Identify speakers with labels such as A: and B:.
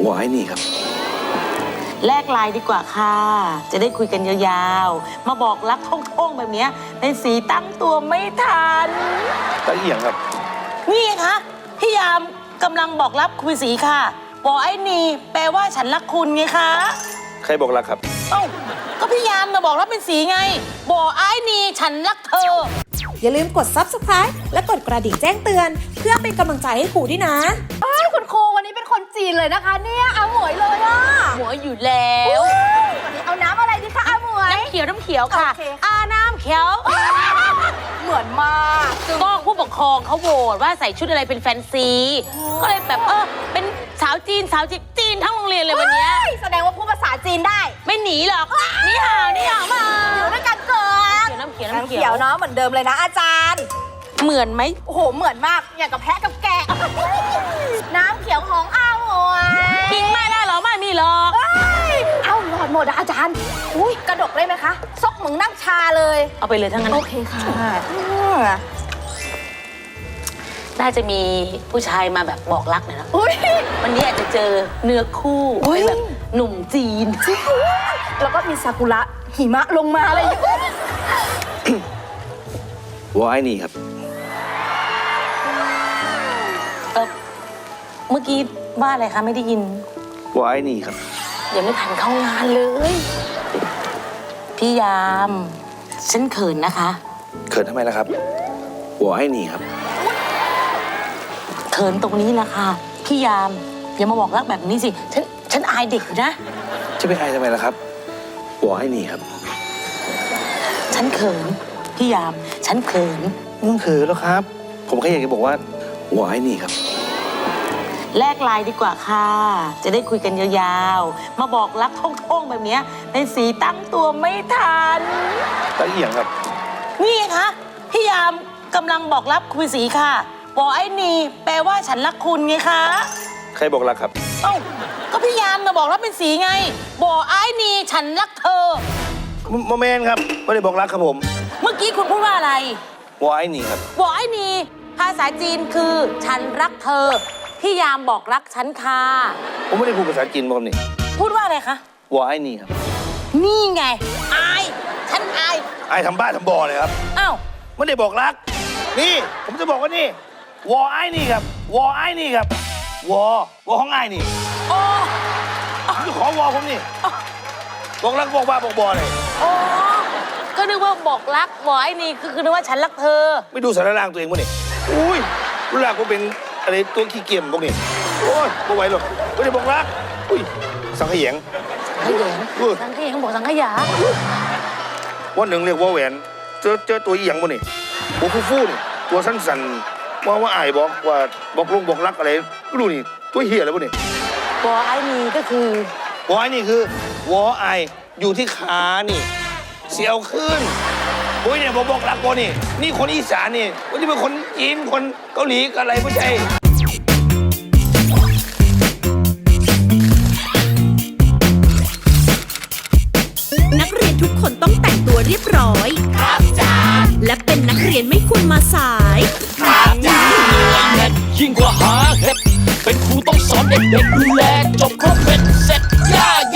A: หัวไอ้นี่ครับ
B: แลกไลน์ดีกว่าค่ะจะได้คุยกันยาวๆมาบอกรักท่องๆแบบนี้ในสีตั้งตัวไม่ทัน
A: ตะเอียงครับ
B: นี่ไงคะพี่ยามกำลังบอกรักคุณสีค่ะบอกไอ้นี่แปลว่าฉันรักคุณไงคะ
A: ใครบอกรักครับ
B: เอ้าก็พี่ยามนะบอกรักเป็นสีไงบอกไอ้นี่ฉันรักเธอ
C: อย่าลืมกด Subscribe และกดกระดิ่งแจ้งเตือนเพื่อเป็นกำลังใจให้ครูด้วยนะ
D: คุณครูวันนี้เป็นคนจีนเลยนะคะเนี่ยอาหมวยเลยอ่ะ
B: หมวยอยู่แล้ว
D: วันนี้เอาน้ำอะไรดีคะอาหมวย
B: น้ำเขียวค่ะน้ำเขียว
D: เหมือนมาก
B: ก็ผู้ปกครองเขาโหวตว่าใส่ชุดอะไรเป็นแฟนซีก็เลยแบบเป็นสาวจีนทั้งโรงเรียนเลยวันนี้
D: แสดงว่าพูดภาษาจีนได้
B: ไม่หนีหรอกนี่ห่าวมา
D: อยู่ด้วยกันเกิน
B: น้ำเขี
D: ยวเนาะเหมือนเดิมเลยนะอาจารย์
B: เหมือนไหม
D: โอ้โหเหมือนมากอย่างกับแพะกับแกะน้ำเขียวของอาหมวย
B: กินไม่ได้หรอไม่มีหรอก
D: เอ้าหลอดหมดอาจารย์อุ้ยกระดกได้ไหมคะซกเหมือนนั่งชาเลย
B: เอาไปเลยทั้งนั้น
D: โอเคค่ะ
B: น่าจะมีผู้ชายมาแบบบอกรักนะวันนี้อาจจะเจอเนื้อคู่แบบหนุ่มจีน
D: แล้วก็มีซากุระหิมะลงมาอะไรอย่างเงี้ย
A: หัวไอ้นี่ครับ
B: เมื่อกี้ว่าอะไรคะไม่ได้ยิน
A: หัวไอ้นี่ครับ
B: ยังไม่ทันเข้างานเลยพี่ยามฉันเขินนะคะ
A: เขินทำไมล่ะครับหัวไอ้นี่ครับ
B: เขินตรงนี้แหละค่ะพี่ยามอย่ามาบอกรักแบบนี้สิฉันอายเด็กอยู่นะ
A: จะไปอายทำไมล่ะครับหัวไอ้นี่ครับ
B: ฉันเขินพี่ยามฉันเขิน
A: ไม่ต้องเขินแล้วครับผมแค่อยากจะบอกว่าหัวไอ้นี่ครับ
B: แลกไลน์ดีกว่าค่ะจะได้คุยกันยาวๆมาบอกรักท่องๆแบบนี้ในสีตั้งตัวไม่ทัน
A: ตะเอียงครับ
B: นี่ไงคะพี่ยามกำลังบอกรักคุณสีค่ะบอกไอ้นี่แปลว่าฉันรักคุณไงคะ
A: ใครบอกรักครับ
B: เอ้าก็พี่ยามนะบอกรักเป็นสีไงบอกไอ้นี่ฉันรักเธอ
A: โมเมนต์ครับไม่ได้บอกรักครับผม
B: เมื่อกี้คุณพูดว่าอะไร
A: บอกไอ้นี่ครับ
B: บอกไอ้นี่ภาษาจีนคือฉันรักเธอพี่ยามบอกรักฉันค่ะ
A: ผมไม่ได้พูดภาษาจีนบอกนี่
B: พูดว่าอะไรคะ
A: บอกไอ้นี่ครับ
B: นี่ไงอายฉันอาย
A: ทำบ้าทำบอเลยครับ
B: อ้าว
A: ไม่ได้บอกรักนี่ผมจะบอกว่านี่วอไอ้นี่ครับวอไอ้นี่ครับวอของไอ้นี่
B: โอ้
A: จะขอวอผมนี่บอกรักบอกบ้าบอกบอเลย
B: โอ้ก็นึกว่าบอกรักบอกไอ้นี่คือนึกว่าฉันรักเธอ
A: ไม่ดูสารร่างตัวเองมั้งนี่อุ้ยรู้ล่ะก็เป็นอะไรตัวขี้เกียจพวกนี้โอ้ยไม่ไหวหรอกไม่ได้บอกรักอุ้ยสังขยง
B: สังขยงบอกสังขยา
A: วันหนึ่งเรียกว่าแหวนเจอตัวอีหยังพวกนี้หัวฟูๆนี่ตัวสั้นๆว่าอายบอกลงบอกรักอะไรไม่รู้นี่ตัวเหี้ยอะไรพวกนี้
B: วอไอ้นี่ก็คือ
A: วอไอ้นี่คือวอไออยู่ที่ขานี่เสียวขึ้นโอ้ยเนี่ยบอกรักบอนี่คนอีสานนี่วันนี้เป็นคนจีนคนเกาหลีอะไรไม่ใช่
C: นักเรียนทุกคนต้องแต่งตัวเรียบร้อยครับจ้าและเป็นนักเรียนไม่ควรมาสาย
E: ครับจ้ายิ่งกว่าหาเห็ดเป็นครูต้องสอนเด็กๆดูแล